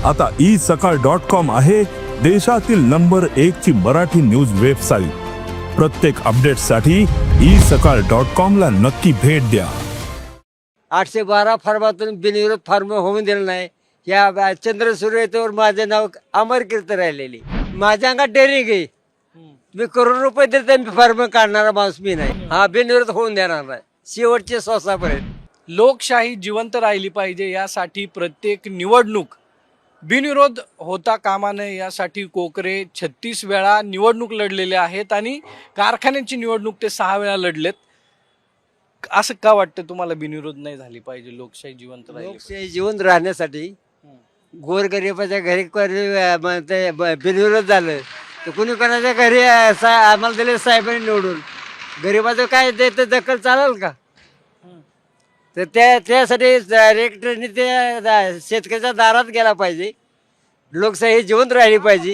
आता isakal.com आहे देशातील नंबर 1 ची मराठी न्यूज वेबसाईट। प्रत्येक अपडेटसाठी isakal.com ला नक्की भेट द्या। 812 फॉर्मातून बिनविरोध फॉर्म होऊन दिलं नाही। या चंद्रसूर्य येथवर माझे नाव अमर कीर्त राहिलेली। माझ्या अंगात डेअरिंग आहे। मी करोड रुपये देते मी फॉर्म काढणारा माणूस मी नाही। हा बिनविरोध होऊन देणार नाही शेवटचे श्वासापर्यंत। लोकशाही जिवंत राहिली पाहिजे यासाठी प्रत्येक निवडणूक बिनविरोध होता कामा नये यासाठी कोकरे 36 वेळा निवडणूक लढलेले आहेत आणि कारखान्याची निवडणूक ते 6 वेळा लढलेत। असं का वाटतं तुम्हाला बिनविरोध नाही झाली पाहिजे, लोकशाही जिवंत राहिली? लोकशाही जिवंत राहण्यासाठी गोरगरिबाच्या घरी बिनविरोध झालं तर कुणी कोणाच्या घरी आम्हाला दिले साहेबांनी निवडून, गरिबाचं काय ते दखल चालेल का? तर त्यासाठी डायरेक्टरनी ते शेतकऱ्याच्या दारात गेला पाहिजे। लोकशाही जिवंत राहिली पाहिजे।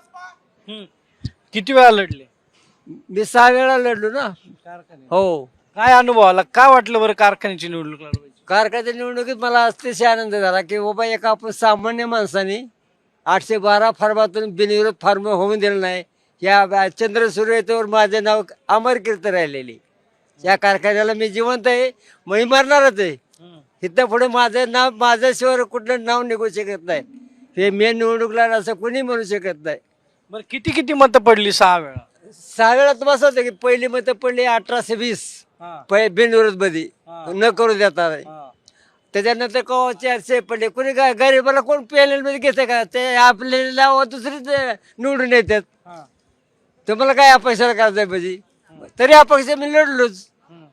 किती वेळा लढले? मी 6 वेळा लढलो ना। हो। काय अनुभव आला, काय वाटलं बरं कारखान्याची निवडणूक लढवायची? कारखान्याच्या निवडणुकीत मला अतिशय आनंद झाला की बाबा एका आपण सामान्य माणसाने 812 फॉर्मातून बिनविरोध फॉर्म होऊन दिलं नाही। या चंद्रसूर्य येथवर माझे नाव अमर कीर्त राहिलेली। या कारखान्याला मी जिवंत आहे, मी मरणारच आहे। इथं पुढे माझं नाव माझ्याशिवाय कुठलं नाव निघू शकत नाही। हे मेन निवडणूकला असं कोणी म्हणू शकत नाही। बरं किती किती मतं पडली 6 वेळा? 6 वेळा तर बस होतं की पहिली मतं पडली 1820 बिनविरोध मध्ये न करू देता नाही। त्याच्यानंतर कवा 400 पडले। कोणी काय गरीबाला कोण पॅनल मध्ये घेते का? ते आपल्याला दुसरीच निवडून येतात। तुम्हाला काय अपेक्षा करायचं पाहिजे? तरी अपेक्षा मी लढलोच।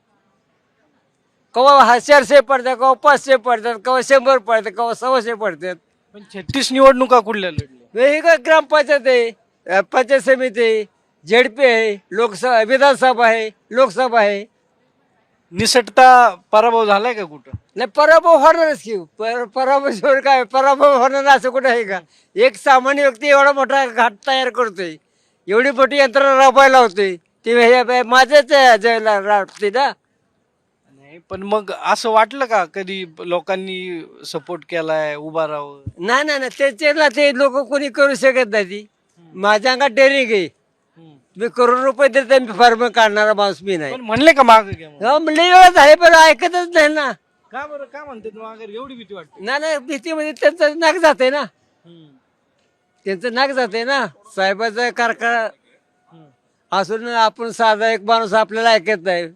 कवा 400 पडतात, कवा 500 पडतात, कवा 100 पडतात, कवा 100 पडतात। पण 36 निवडणुका कुठल्या लढल्या? वेगळी ग्रामपंचायत आहे, पंचायत समिती आहे, झेडपी आहे, लोकसभा विधानसभा आहे, लोकसभा आहे। निसटता पराभव झालाय का कुठं? नाही, पराभव होणारच की। पराभव काय पराभव होणार असं कुठं आहे का? एक सामान्य व्यक्ती एवढा मोठा घाट तयार करतोय, एवढी मोठी यंत्रणा राबवायला होते, ते माझ्याच राबते ना। नाही पण मग असं वाटलं का कधी लोकांनी सपोर्ट केलाय उभा राहावं? नाही नाही नाही, त्याच्याला ते लोक कोणी करू शकत नाही। ती माझ्या अंगात डेअरिंग आहे। मी करोड रुपये देते मी फॉर्म काढणारा माणूस मी नाही। पण म्हणले का माग घ्या म्हणून? लई वेळा झाले पण ऐकतच नाही ना। का बरं, काय म्हणते मागे एवढी भीती वाटते? नाही नाही, भीतीमध्ये त्यांचं नाक जाते ना। त्यांचं नाक जाते ना। साहेबाचा कारखाना असून आपण साधा एक माणूस आपल्याला ऐकत नाही।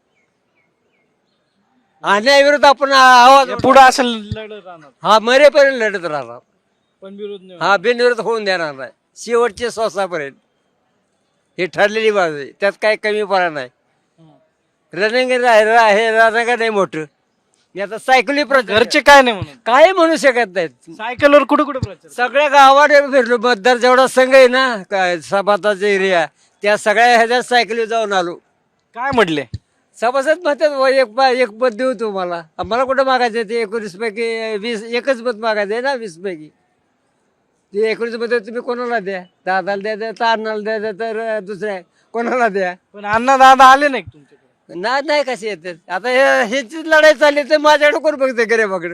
अन्यायाविरुद्ध आपण आवाज पुढे असं लढत राहणार हा मरेपर्यंत लढत राहणार। पण विरोध नाही हा बिनविरोध होऊन देणार नाही शेवटचे श्वासापर्यंत। हे ठरलेली बाजू आहे, त्यात काही कमीपणा नाही। रनिंग हे रनिंग नाही मोठं। मी आता सायकली घरचे काय नाही म्हणून काही म्हणू शकत नाहीत। सायकलवर कुठे कुठे प्रचार? सगळ्या गावात फिरलो। मतदार जेवढा संघ आहे ना सभाताचा एरिया, त्या सगळ्या ह्याच्यात सायकली जाऊन आलो। काय म्हटले? सभासद म्हणतात एक मत देऊ तुम्हाला। मला कुठं मागायचं? ते 19 पैकी 20 एकच मत मागायचं आहे ना। 20 पैकी ते 19 मत तुम्ही कोणाला द्या? दादाला द्या, तर अण्णाला द्या, तर दुसऱ्या कोणाला द्या। पण अण्णा दादा आले नाही तुमच्याकडे? नाही कसे येतात? आता ह्याची लढाई चालली तर माझ्याकडे कोण बघते गरीबाकडे?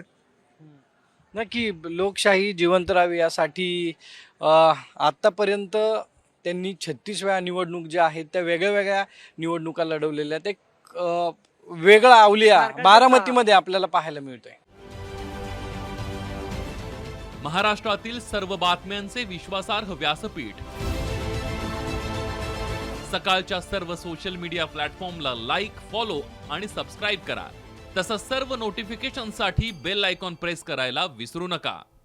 नक्की लोकशाही जिवंत राहावी यासाठी आतापर्यंत त्यांनी 36 वेळा निवडणूक ज्या आहेत त्या वेगळ्या वेगळ्या निवडणुका लढवलेल्या आहेत। एक वेगळा अवलिया बारामतीमध्ये आपल्याला पाहायला मिळतोय। महाराष्ट्रातील सर्व बातम्यांचे विश्वासार्ह व्यासपीठ सकाळच्या सर्व सोशल मीडिया प्लॅटफॉर्मला लाईक, फॉलो आणि सबस्क्राईब करा। तसंच सर्व नोटिफिकेशनसाठी बेल आयकॉन प्रेस करायला विसरू नका।